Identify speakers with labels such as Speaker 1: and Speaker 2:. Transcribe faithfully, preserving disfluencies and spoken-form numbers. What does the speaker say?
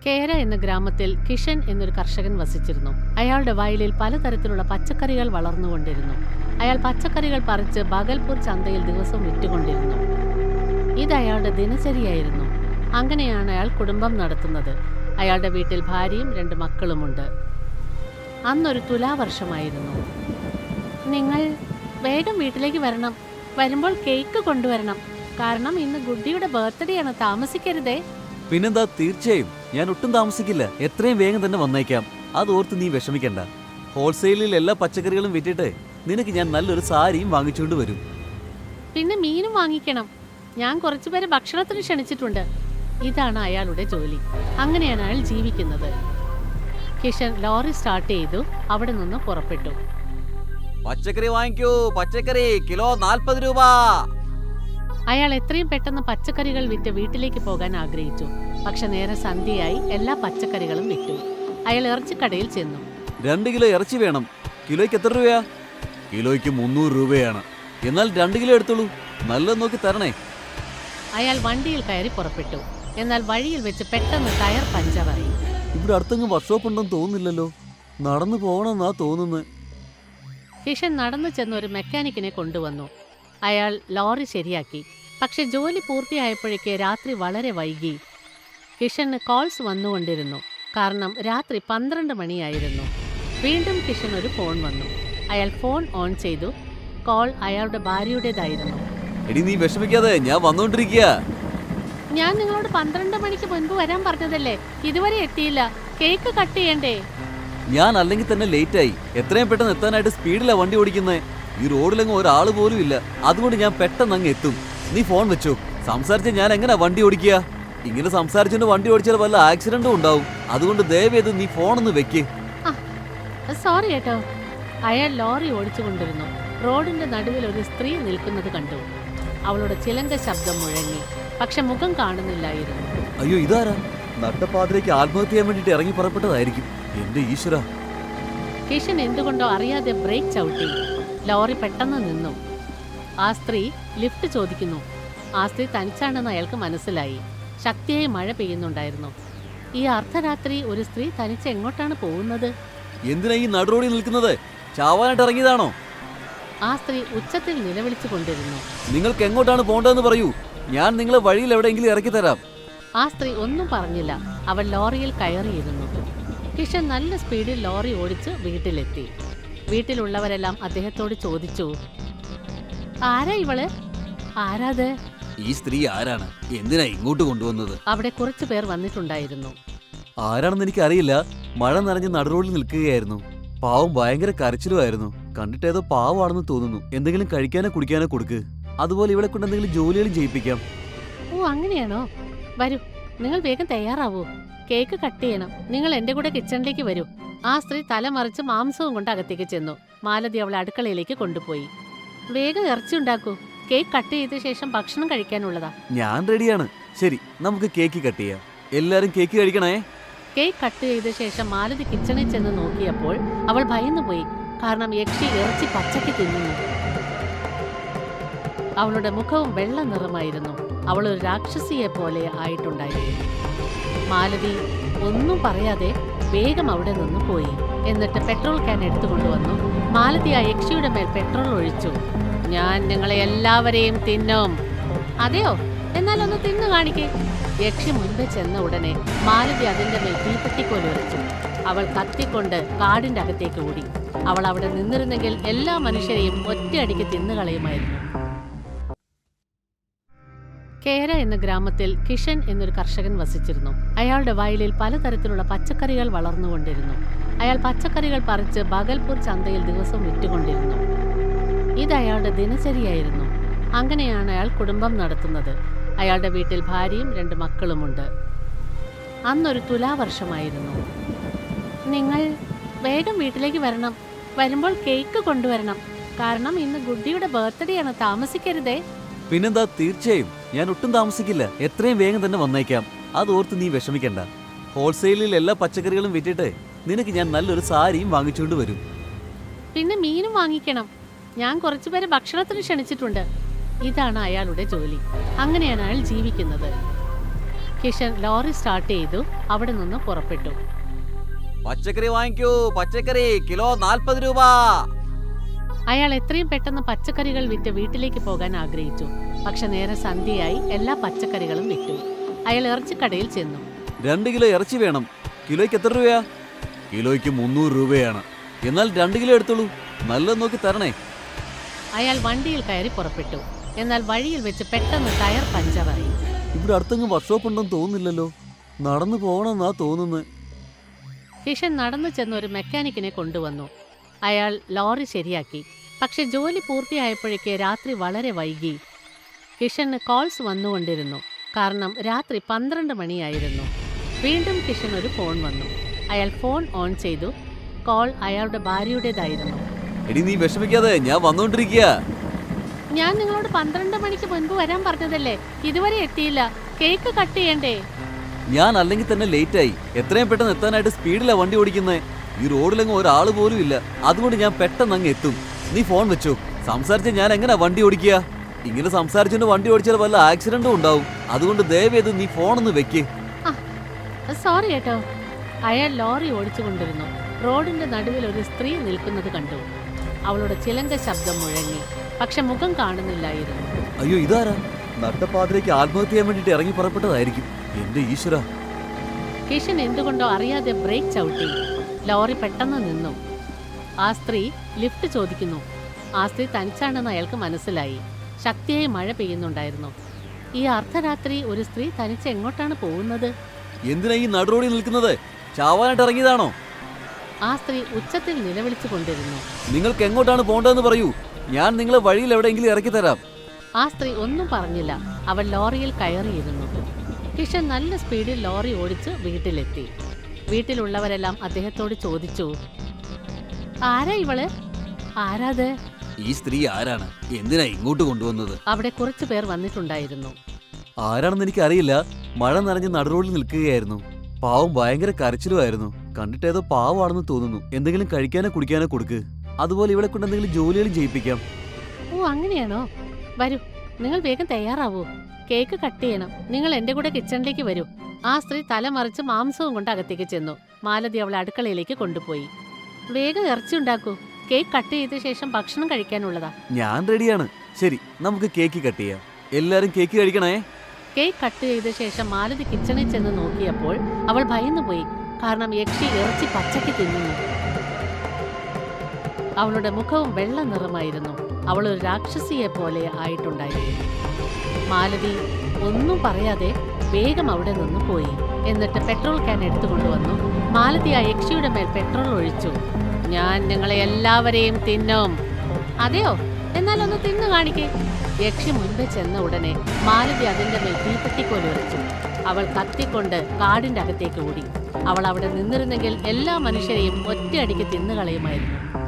Speaker 1: കേര എന്ന ഗ്രാമത്തിൽ കിഷൻ എന്നൊരു കർഷകൻ വസിച്ചിരുന്നു. അയാളുടെ വയലിൽ പലതരത്തിലുള്ള പച്ചക്കറികൾ വളർന്നുകൊണ്ടിരുന്നു. അയാൾ പച്ചക്കറികൾ പറിച്ച് ബഗൽപൂർ ചന്തയിൽ ദിവസവും വിറ്റുകൊണ്ടിരുന്നു. ഇത് അയാളുടെ ദിനചര്യയായിരുന്നു. അങ്ങനെയാണ് അയാൾ കുടുംബം നടത്തുന്നത്. അയാളുടെ വീട്ടിൽ ഭാര്യയും രണ്ട് മക്കളുമുണ്ട്. അന്നൊരു തുലാവർഷമായിരുന്നു. നിങ്ങൾ വേഗം വീട്ടിലേക്ക് വരണം. വരുമ്പോൾ കേക്ക് കൊണ്ടുവരണം. കാരണം ഇന്ന് ഗുഡിയുടെ ബർത്ത്ഡേ ആണ്. താമസിക്കരുതേ.
Speaker 2: പിന്നെന്താ, തീർച്ചയായും ഞാൻ ഒട്ടും താമസിക്കില്ല. എത്രയും വേഗം തന്നെ വന്നേക്കാം. അതോർത്ത് നീ വിഷമിക്കണ്ട. ഹോൾസെയിലിൽ എല്ലാ പച്ചക്കറികളും വിറ്റിട്ട് നിനക്ക് ഞാൻ നല്ലൊരു സാരിയും വാങ്ങിച്ചുകൊണ്ട് വരും.
Speaker 1: പിന്നെ മീനും വാങ്ങിക്കണം. ഞാൻ കുറച്ചുപേരെ ഭക്ഷണത്തിന് ക്ഷണിച്ചിട്ടുണ്ട്. ഇതാണ് അയാളുടെ ജോലി. അങ്ങനെയാണ് അയാൾ ജീവിക്കുന്നത്. കിഷൻ ലോറി സ്റ്റാർട്ട് ചെയ്തു അവിടെ നിന്ന് പുറപ്പെട്ടു.
Speaker 2: പച്ചക്കറി വാങ്ങിക്കൂ, പച്ചക്കറി കിലോ നാൽപ്പത് രൂപ.
Speaker 1: അയാൾ എത്രയും പെട്ടെന്ന് പച്ചക്കറികൾ വിറ്റ് വീട്ടിലേക്ക് പോകാൻ ആഗ്രഹിച്ചു. പക്ഷെ നേരെ സന്ധ്യയായി എല്ലാ പച്ചക്കറികളും വിറ്റു. അയാൾ ഇറച്ചിക്കടയിൽ ചെന്നു.
Speaker 2: രണ്ട് കിലോ ഇറച്ചി വേണം. കിലോയ്ക്ക് എത്ര രൂപയാ? കിലോയ്ക്ക് മുന്നൂറ് രൂപയാണ്. എന്നാൽ രണ്ട് കിലോ എടുത്തോളൂ. നല്ലത് നോക്കി തരണേ.
Speaker 1: അയാൾ വണ്ടിയിൽ കയറി പുറപ്പെട്ടു. എന്നാൽ വഴിയിൽ വെച്ച് പെട്ടെന്ന് ടയർ പഞ്ചറായി.
Speaker 2: ഇവിടെ അടുത്തെങ്ങും വർക്ക്ഷോപ്പ് ഉണ്ടെന്ന് തോന്നുന്നില്ലല്ലോ. നടന്നു പോകണമെന്നാ തോന്നുന്നത്.
Speaker 1: കിഷൻ നടന്നു ചെന്ന് ഒരു മെക്കാനിക്കിനെ കൊണ്ടുവന്നു. അയാൾ ലോറി ശരിയാക്കി. പക്ഷെ ജോലി പൂർത്തിയായപ്പോഴേക്ക് രാത്രി വളരെ വൈകി. കിഷന് കോൾസ് വന്നുകൊണ്ടിരുന്നു. കാരണം രാത്രി പന്ത്രണ്ട് മണിയായിരുന്നു. വീണ്ടും കിഷൻ ഒരു ഫോൺ വന്നു. അയാൾ ഫോൺ ഓൺ ചെയ്തു. കോൾ അയാളുടെ ഭാര്യയുടേതായിരുന്നു.
Speaker 2: എടി, നീ വിഷമിക്കാതെ, ഞാൻ വന്നോണ്ടിരിക്കുക.
Speaker 1: ഞാൻ നിങ്ങളോട് പന്ത്രണ്ട് മണിക്ക് മുൻപ് വരാൻ പറഞ്ഞതല്ലേ? ഇതുവരെ എത്തിയില്ല. കേക്ക് കട്ട് ചെയ്യണ്ടേ?
Speaker 2: ഞാൻ അല്ലെങ്കിൽ തന്നെ ലേറ്റായി. എത്രയും പെട്ടെന്ന് എത്താനായിട്ട് സ്പീഡിലാ വണ്ടി ഓടിക്കുന്നത്. ഈ റോഡിലെങ്ങും ഒരാൾ പോലും ഇല്ല. അതുകൊണ്ട് ഞാൻ പെട്ടെന്ന് അങ്ങ് എത്തും. നീ ഫോൺ വെച്ചു. സംസാരിച്ച ഞാൻ എങ്ങനെയാ വണ്ടി ഓടിക്കുക? ഇങ്ങനെ സംസാരിച്ചുകൊണ്ട് വണ്ടി ഓടിച്ചാൽ വല്ല ആക്സിഡന്റും ഉണ്ടാവും. അതുകൊണ്ട് ദയവേത് നീ ഫോണൊന്ന് വെക്ക്.
Speaker 1: സോറി കേട്ടോ. അയാൾ ലോറി ഓടിച്ചു കൊണ്ടിരുന്നു. റോഡിന്റെ നടുവിൽ ഒരു സ്ത്രീ നിൽക്കുന്നത് കണ്ടു. അവളുടെ ചിലങ്ക ശബ്ദം മുഴങ്ങി. പക്ഷെ മുഖം കാണുന്നില്ലായിരുന്നു.
Speaker 2: അയ്യോ, ഇതാരാ? നട്ടപ്പാതിലേക്ക് ആത്മഹത്യ ചെയ്യാൻ വേണ്ടിട്ട് ഇറങ്ങി പുറപ്പെട്ടതായിരിക്കും. എന്റെ ഈശ്വര.
Speaker 1: കിഷൻ എന്തുകൊണ്ടോ അറിയാതെ ബ്രേക്ക് ചവിട്ടി. ലോറി പെട്ടെന്ന് നിന്നു. ആ സ്ത്രീ ലിഫ്റ്റ് ചോദിക്കുന്നു. ആ സ്ത്രീ തനിച്ചാണെന്ന് അയാൾക്ക് മനസ്സിലായി. ശക്തിയായി മഴ പെയ്യുന്നുണ്ടായിരുന്നു. ഈ അർദ്ധരാത്രി ഒരു സ്ത്രീ തനിച്ച് എങ്ങോട്ടാണ് പോകുന്നത്?
Speaker 2: എന്തിനാ ഈ നടുറോഡിൽ നിൽക്കുന്നത്? ചാവാനായിട്ട് ഇറങ്ങിയതാണോ?
Speaker 1: ആ സ്ത്രീ ഉച്ചത്തിൽ നിലവിളിച്ചു കൊണ്ടിരുന്നു.
Speaker 2: നിങ്ങൾക്ക് എങ്ങോട്ടാണ് പോകേണ്ടതെന്ന് പറയൂ. ഞാൻ നിങ്ങളെ വഴിയിൽ എവിടെയെങ്കിലും ഇറക്കി തരാം.
Speaker 1: ആ സ്ത്രീ ഒന്നും പറഞ്ഞില്ല. അവൾ ലോറിയിൽ കയറിയിരുന്നു. കിഷൻ നല്ല സ്പീഡിൽ ലോറി ഓടിച്ച് വീട്ടിലെത്തി. വീട്ടിലുള്ളവരെല്ലാം അദ്ദേഹത്തോട് ചോദിച്ചു, ആരാ ഇവള്? ആരാത്?
Speaker 2: ഈ സ്ത്രീ ആരാണ്? എന്തിനാ ഇങ്ങോട്ട് കൊണ്ടുവന്നത്?
Speaker 1: അവിടെ കുറച്ചു പേർ വന്നിട്ടുണ്ടായിരുന്നു.
Speaker 2: ആരാണെന്ന് എനിക്ക് അറിയില്ല. മഴ നനഞ്ഞ് നടുറോഡിൽ നിൽക്കുകയായിരുന്നു. പാവം ഭയങ്കര കരച്ചിലുമായിരുന്നു. കണ്ടിട്ട് ഏതോ പാവമാണെന്ന് തോന്നുന്നു. എന്തെങ്കിലും കഴിക്കാനോ കുടിക്കാനോ കൊടുക്ക്. അതുപോലെ ഇവിടെ കൊണ്ട് എന്തെങ്കിലും ജോലികളും ചെയ്യിപ്പിക്കാം.
Speaker 1: ഓ, അങ്ങനെയാണോ? വരൂ, നിങ്ങൾ വേഗം തയ്യാറാവൂ. കേക്ക് കട്ട് ചെയ്യണം. നിങ്ങൾ എന്റെ കൂടെ കിച്ചണിലേക്ക് വരൂ. ആ സ്ത്രീ തലമറിച്ച് മാംസവും കൊണ്ട് അകത്തേക്ക് ചെന്നു. മാലതി അവളെ അടുക്കളയിലേക്ക് കൊണ്ടുപോയി. വേഗം ഇറച്ചി ഉണ്ടാക്കൂ. കേക്ക് കട്ട് ചെയ്ത ശേഷം ഭക്ഷണം കഴിക്കാനുള്ളതാ.
Speaker 2: ഞാൻ റെഡിയാണ്. ശരി, നമുക്ക് കേക്ക് കട്ട് ചെയ്യാം. എല്ലാരും കേക്ക് കഴിക്കണേ.
Speaker 1: കേക്ക് കട്ട് ചെയ്ത ശേഷം മാലതി കിച്ചണിൽ ചെന്ന് നോക്കിയപ്പോൾ അവൾ ഭയന്നു പോയി. കാരണം യക്ഷി ഇറച്ചി പച്ചയ്ക്ക് തിന്നുന്നു. അവളുടെ മുഖവും വെള്ള നിറമായിരുന്നു. അവൾ ഒരു രാക്ഷസിയെ പോലെ ആയിട്ടുണ്ടായിരുന്നു. മാലതി ഒന്നും പറയാതെ വേഗം അവിടെ നിന്ന് പോയി. എന്നിട്ട് പെട്രോൾ ക്യാൻ എടുത്തുകൊണ്ടുവന്നു. മാലതി ആ യക്ഷിയുടെ മേൽ പെട്രോൾ ഒഴിച്ചു. ഞാൻ നിങ്ങളെ എല്ലാവരെയും തിന്നും. അതെയോ? എന്നാൽ ഒന്ന് തിന്നു കാണിക്കേ. യക്ഷി മുൻപേ ചെന്ന ഉടനെ മാലതി അതിന്റെ മേൽ തീപ്പെട്ടിക്കോല് എറിച്ചു. അവൾ കത്തിക്കൊണ്ട് കാടിന്റെ അകത്തേക്ക് ഓടി. അവൾ അവിടെ നിന്നിരുന്നെങ്കിൽ എല്ലാ മനുഷ്യരെയും ഒറ്റയടിക്ക് തിന്നുകളയുമായിരുന്നു. കേര എന്ന ഗ്രാമത്തിൽ കിഷൻ എന്നൊരു കർഷകൻ വസിച്ചിരുന്നു. അയാളുടെ വയലിൽ പലതരത്തിലുള്ള പച്ചക്കറികൾ വളർന്നുകൊണ്ടിരുന്നു. അയാൾ പച്ചക്കറികൾ പറിച്ച് ബഗൽപൂർ ചന്തയിൽ ദിവസവും വിറ്റുകൊണ്ടിരുന്നു. ഇത് അയാളുടെ ദിനചര്യയായിരുന്നു. അങ്ങനെയാണ് അയാൾ കുടുംബം നടത്തുന്നത്. അയാളുടെ വീട്ടിൽ ഭാര്യയും രണ്ട് മക്കളുമുണ്ട്. അന്നൊരു തുലാവർഷമായിരുന്നു. നിങ്ങൾ വേഗം വീട്ടിലേക്ക് വരണം. വരുമ്പോൾ കേക്ക് കൊണ്ടുവരണം. കാരണം ഇന്ന് ഗുഡിയുടെ ബർത്ത്ഡേ ആണ്. താമസിക്കരുതേ.
Speaker 2: പിന്നെന്താ, തീർച്ചയായും ഞാൻ ഒട്ടും താമസിക്കില്ല. എത്രയും വേഗം തന്നെ വന്നേക്കാം. അതോർത്ത് നീ വിഷമിക്കണ്ട. ഹോൾസെയിലിൽ എല്ലാ പച്ചക്കറികളും വിറ്റിട്ട് നിനക്ക് ഞാൻ നല്ലൊരു സാരിയും വാങ്ങിച്ചുകൊണ്ട് വരും.
Speaker 1: പിന്നെ മീനും വാങ്ങിക്കണം. ഞാൻ കുറച്ചുപേരെ ഭക്ഷണത്തിന് ക്ഷണിച്ചിട്ടുണ്ട്. ഇതാണ് അയാളുടെ ജോലി. അങ്ങനെയാണ് അയാൾ ജീവിക്കുന്നത്. കിഷൻ ലോറി സ്റ്റാർട്ട് ചെയ്തു അവിടെ നിന്ന് പുറപ്പെട്ടു.
Speaker 2: പച്ചക്കറി വാങ്ങിക്കൂ, പച്ചക്കറി കിലോ നാൽപ്പത് രൂപ.
Speaker 1: അയാൾ എത്രയും പെട്ടെന്ന് പച്ചക്കറികൾ വിറ്റ് വീട്ടിലേക്ക് പോകാൻ ആഗ്രഹിച്ചു. പക്ഷെ നേരെ സന്ധ്യയായി എല്ലാ പച്ചക്കറികളും വിറ്റു. അയാൾ ഇറച്ചിക്കടയിൽ ചെന്നു.
Speaker 2: രണ്ട് കിലോ ഇറച്ചി വേണം. കിലോയ്ക്ക് എത്ര രൂപയാ? കിലോയ്ക്ക് മുന്നൂറ് രൂപയാണ്. എന്നാൽ രണ്ട് കിലോ എടുത്തോളൂ, നല്ലത് നോക്കി തരണേ.
Speaker 1: അയാൾ വണ്ടിയിൽ കയറി പുറപ്പെട്ടു. എന്നാൽ വഴിയിൽ വെച്ച് പെട്ടെന്ന് ടയർ പഞ്ചറായി.
Speaker 2: ഇവിടെ അടുത്തെങ്ങും വർക്ക്ഷോപ്പ് ഉണ്ടെന്ന് തോന്നുന്നില്ലല്ലോ. നടന്നു പോകണമെന്നാ തോന്നുന്നത്.
Speaker 1: കിഷൻ നടന്നു ചെന്ന് ഒരു മെക്കാനിക്കിനെ കൊണ്ടുവന്നു. അയാൾ ലോറി ശരിയാക്കി. പക്ഷെ ജോലി പൂർത്തിയായപ്പോഴേക്ക് രാത്രി വളരെ വൈകി. കിഷന് കോൾസ് വന്നുകൊണ്ടിരുന്നു. കാരണം രാത്രി പന്ത്രണ്ട് മണിയായിരുന്നു. വീണ്ടും കിഷൻ ഒരു ഫോൺ വന്നു. അയാൾ ഫോൺ ഓൺ ചെയ്തു. കോൾ അയാളുടെ ഭാര്യയുടേതായിരുന്നു.
Speaker 2: എടി നീ വിഷമിക്കാതെ, ഞാൻ വന്നുകൊണ്ടിരിക്കുക.
Speaker 1: ഞാൻ നിങ്ങളോട് പന്ത്രണ്ട് മണിക്ക് മുൻപ് വരാൻ പറഞ്ഞതല്ലേ, ഇതുവരെ എത്തിയില്ല. കേക്ക് കട്ട് ചെയ്യണ്ടേ?
Speaker 2: ഞാൻ അല്ലെങ്കിൽ തന്നെ ലേറ്റായി. എത്രയും പെട്ടെന്ന് എത്താനായിട്ട് സ്പീഡിലാ വണ്ടി ഓടിക്കുന്നത്. ഈ റോഡിലെങ്ങും ഒരാൾ പോലും ഇല്ല. അതുകൊണ്ട് ഞാൻ പെട്ടെന്ന് അങ്ങ് എത്തും. നീ ഫോൺ വെച്ചോ. സംസാരിച്ച ഞാൻ എങ്ങനെയാ വണ്ടി ഓടിക്കുക? ഇങ്ങനെ സംസാരിച്ചുകൊണ്ട് വണ്ടി ഓടിച്ചാൽ വല്ല ആക്സിഡന്റും ഉണ്ടാവും. അതുകൊണ്ട് ദയവേത് നീ ഫോണൊന്ന് വെക്ക്.
Speaker 1: സോറി കേട്ടോ. അയാൾ ലോറി ഓടിച്ചു കൊണ്ടിരുന്നു. റോഡിന്റെ നടുവിൽ ഒരു സ്ത്രീ നിൽക്കുന്നത് കണ്ടു. അവളുടെ ചിലങ്ക ശബ്ദം മുഴങ്ങി. പക്ഷെ മുഖം കാണുന്നില്ലായിരുന്നു.
Speaker 2: അയ്യോ, ഇതാരാ? നട്ടപ്പാതിലേക്ക് ആത്മഹത്യ ചെയ്യാൻ വേണ്ടിട്ട് ഇറങ്ങി പുറപ്പെട്ടതായിരിക്കും. എന്റെ ഈശ്വര.
Speaker 1: കിഷൻ എന്തുകൊണ്ടോ അറിയാതെ ബ്രേക്ക് ചവിട്ടി. ലോറി പെട്ടെന്ന് നിന്നു. ആ സ്ത്രീ ലിഫ്റ്റ് ചോദിക്കുന്നു. ആ സ്ത്രീ തനിച്ചാണെന്ന് അയാൾക്ക് മനസ്സിലായി. ശക്തിയായി മഴ പെയ്യുന്നുണ്ടായിരുന്നു. ഈ അർദ്ധരാത്രി ഒരു സ്ത്രീ തനിച്ച് എങ്ങോട്ടാണ് പോകുന്നത്?
Speaker 2: എന്തിനാ ഈ നടുറോഡിൽ നിൽക്കുന്നത്? ചാവാനായിട്ട് ഇറങ്ങിയതാണോ?
Speaker 1: ആ സ്ത്രീ ഉച്ചത്തിൽ നിലവിളിച്ചു കൊണ്ടിരുന്നു.
Speaker 2: നിങ്ങൾക്ക് എങ്ങോട്ടാണ് പോകേണ്ടതെന്ന് പറയൂ, ഞാൻ നിങ്ങളെ വഴിയിൽ എവിടെയെങ്കിലും ഇറക്കി തരാം.
Speaker 1: ആ സ്ത്രീ ഒന്നും പറഞ്ഞില്ല. അവൾ ലോറിയിൽ കയറിയിരുന്നു. കിഷൻ നല്ല സ്പീഡിൽ ലോറി ഓടിച്ച് വീട്ടിലെത്തി. വീട്ടിലുള്ളവരെല്ലാം അദ്ദേഹത്തോട് ചോദിച്ചു, ആരാ ഇവള്? ആരാത്?
Speaker 2: ഈ സ്ത്രീ ആരാണ്? എന്തിനാ ഇങ്ങോട്ട് കൊണ്ടുവന്നത്?
Speaker 1: അവിടെ കുറച്ചു പേർ വന്നിട്ടുണ്ടായിരുന്നു.
Speaker 2: ആരാണെന്ന് എനിക്ക് അറിയില്ല. മഴ നനഞ്ഞ് നടുറോഡിൽ നിൽക്കുകയായിരുന്നു. പാവം ഭയങ്കര കരച്ചിലുമായിരുന്നു. കണ്ടിട്ട് ഏതോ പാവമാണെന്ന് തോന്നുന്നു. എന്തെങ്കിലും കഴിക്കാനോ കുടിക്കാനോ കൊടുക്ക്. അതുപോലെ ഇവിടെ കൊണ്ട് എന്തെങ്കിലും ജോലികളും ചെയ്യിപ്പിക്കാം.
Speaker 1: ഓ, അങ്ങനെയാണോ? വരൂ, നിങ്ങൾ വേഗം തയ്യാറാവൂ. കേക്ക് കട്ട് ചെയ്യണം. നിങ്ങൾ എന്റെ കൂടെ കിച്ചണിലേക്ക് വരൂ. ആ സ്ത്രീ തലമറിച്ച് മാംസവും കൊണ്ട് അകത്തേക്ക് ചെന്നു. മാലതി അവളെ അടുക്കളയിലേക്ക് കൊണ്ടുപോയി. വേഗം ഇറച്ചി ഉണ്ടാക്കൂ. കേക്ക് കട്ട് ചെയ്ത ശേഷം ഭക്ഷണം കഴിക്കാനുള്ളതാ.
Speaker 2: ഞാൻ റെഡിയാണ്. ശരി, നമുക്ക് കേക്ക് കട്ട് ചെയ്യാം. എല്ലാരും കേക്ക് കഴിക്കണേ.
Speaker 1: കേക്ക് കട്ട് ചെയ്ത ശേഷം മാലതി കിച്ചണിൽ ചെന്ന് നോക്കിയപ്പോൾ അവൾ ഭയന്നുപോയി. കാരണം യക്ഷി ഇറച്ചി പച്ചയ്ക്ക് തിന്നുന്നു. അവളുടെ മുഖവും വെള്ള നിറമായിരുന്നു. അവൾ ഒരു രാക്ഷസിയെ പോലെ ആയിട്ടുണ്ടായിരുന്നു. മാലതി ഒന്നും പറയാതെ വേഗം അവിടെ നിന്ന് പോയി. എന്നിട്ട് പെട്രോൾ ക്യാൻ എടുത്തുകൊണ്ടുവന്നു. മാലതി ആ യക്ഷിയുടെ മേൽ പെട്രോൾ ഒഴിച്ചു. ഞാൻ നിങ്ങളെ എല്ലാവരെയും തിന്നും. അതെയോ? എന്നാൽ ഒന്ന് തിന്നു കാണിക്കേ. യക്ഷി മുൻപേ ചെന്ന ഉടനെ മാലതി അതിന്റെ മേൽ തീപ്പെട്ടിക്കോല് എറിച്ചു. അവൾ കത്തിക്കൊണ്ട് കാടിന്റെ അകത്തേക്ക് ഓടി. അവൾ അവിടെ നിന്നിരുന്നെങ്കിൽ എല്ലാ മനുഷ്യരെയും ഒറ്റയടിക്ക് തിന്നുകളയുമായിരുന്നു.